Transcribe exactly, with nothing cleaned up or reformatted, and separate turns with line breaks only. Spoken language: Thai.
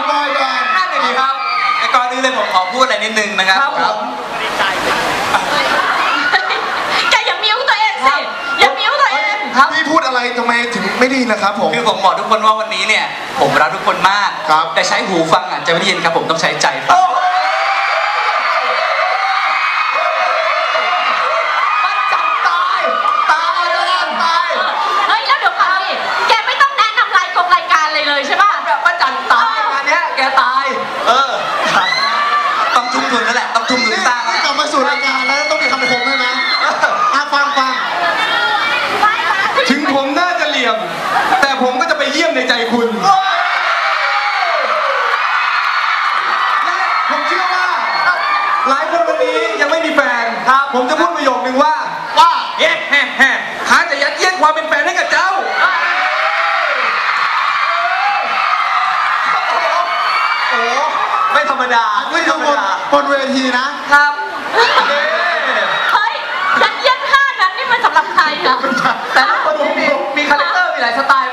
บอยแบนด์
นั่นเลยครับก่อนอื่นเลยผมขอพูดอะไรนิดนึงนะครับผม
แกอย่ามิ้วตัวเองสิอย่ามิ้วตัวเอง
ครับพี่พูดอะไรทำไมถึงไม่ได้ยินนะครับผม
คือผมบอกทุกคนว่าวันนี้เนี่ยผมรักทุกคนมากแต่ใช้หูฟังอ่ะจะไม่ได้ยินครับผมต้องใช้ใจฟัง
มันจับตายตายแล้วตาย
เฮ้ยแล้วเดี๋ยวก่อนดิแกไม่ต้องแนะนำรายกงรายการเลยเลยใช่ป่ะ
แบบป้าจันตายงานเนี้ยแกตายเออต้องทุ่มทุนนั่นแหละต้องทุ่มทุนสร้าง
นี่กลับมาสู่รายการแล้วต้องมีคำคมใช่ไหมอ่ะฟังฟัง
ถึงผมน่าจะเหลี่ยมแต่ผมก็จะไปเยี่ยมในใจคุณผมเชื่อว่าหลายคนวันนี้ยังไม่มีแฟนครับผมจะพูดประโยคนึงว่า
ว่า
เย้แฮ่แฮ่หาจะยัดเยียดความเป็นแฟนให้กับเจ้า
โอ้ไม่ธรรมดา
ไม่ธรรมดาบนเวทีนะครับ
เฮ้ยยัดเยียดท่านั้นนี่มันสำหรับใครอะ
แต่ละคนมีมีคาแรคเตอร์มีหลายสไตล์